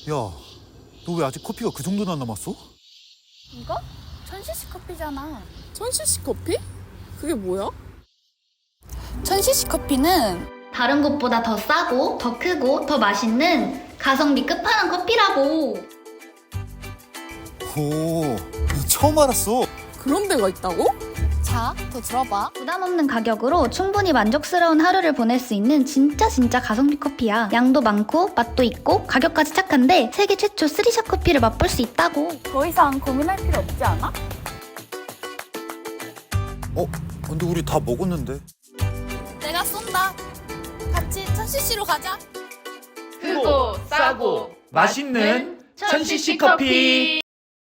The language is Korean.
야, 너 왜 아직 커피가 그 정도나 남았어? 이거? 1000cc 커피잖아. 1000cc 커피? 그게 뭐야? 1000cc 커피는 다른 곳보다 더 싸고 더 크고 더 맛있는 가성비 끝판왕 커피라고. 오, 처음 알았어. 그런 데가 있다고? 자, 더 들어봐. 부담 없는 가격으로 충분히 만족스러운 하루를 보낼 수 있는 진짜 가성비 커피야. 양도 많고 맛도 있고 가격까지 착한데 세계 최초 3샷 커피를 맛볼 수 있다고. 더 이상 고민할 필요 없지 않아? 근데 우리 다 먹었는데. 내가 쏜다. 같이 1000cc로 가자. 크고 싸고 맛있는 1000cc 커피.